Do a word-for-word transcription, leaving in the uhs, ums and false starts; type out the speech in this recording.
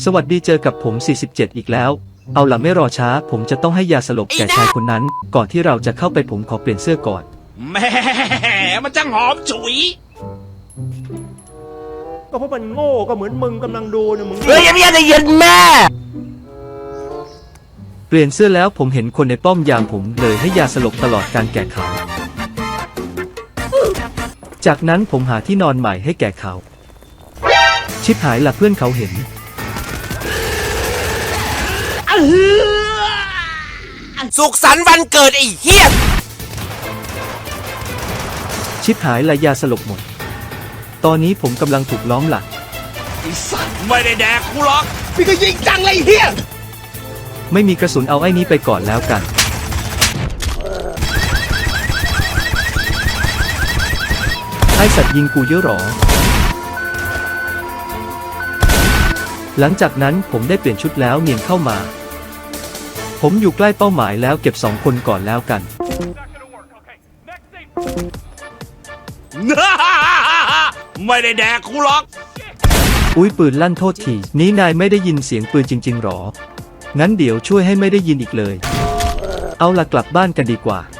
สวัสดีเจอกับผมสี่สิบเจ็ดอีกแล้วเอาล่ะไม่รอช้าผมจะต้องให้ยาสลบแก่ชายคนนั้นก่อนที่เราจะเข้าไปผมขอเปลี่ยนเสื้อก่อนแม่มันจังหอมฉุยก็เพราะมันโง่ก็เหมือนมึงกำลังดูนะมึงเฮ้ยยังไม่ได้ยินแม่เปลี่ยนเสื้อแล้วผมเห็นคนในป้อมยามผมเลยให้ยาสลบตลอดการแก่เขาจากนั้นผมหาที่นอนใหม่ให้แก่เขาชิบหายละเพื่อนเขาเห็นสุขสันต์วันเกิดไอ้เหี้ยชิบหายละยาสลบหมดตอนนี้ผมกำลังถูกล้อมหลังไอ้สัตว์ไม่ได้แดกกูหรอกพี่ก็ยิงจังเลยเหี้ยไม่มีกระสุนเอาไอ้นี้ไปก่อนแล้วกันไอ้สัตว์ยิงกูเยอะหรอหลังจากนั้นผมได้เปลี่ยนชุดแล้วเนียนเข้ามาผมอยู่ใกล้เป้าหมายแล้วเก็บสองคนก่อนแล้วกันไม่ได้แดกกูหรอกอุ้ยปืนลั่นโทษทีนี้นายไม่ได้ยินเสียงปืนจริงๆหรองั้นเดี๋ยวช่วยให้ไม่ได้ยินอีกเลยเอาละกลับบ้านกันดีกว่า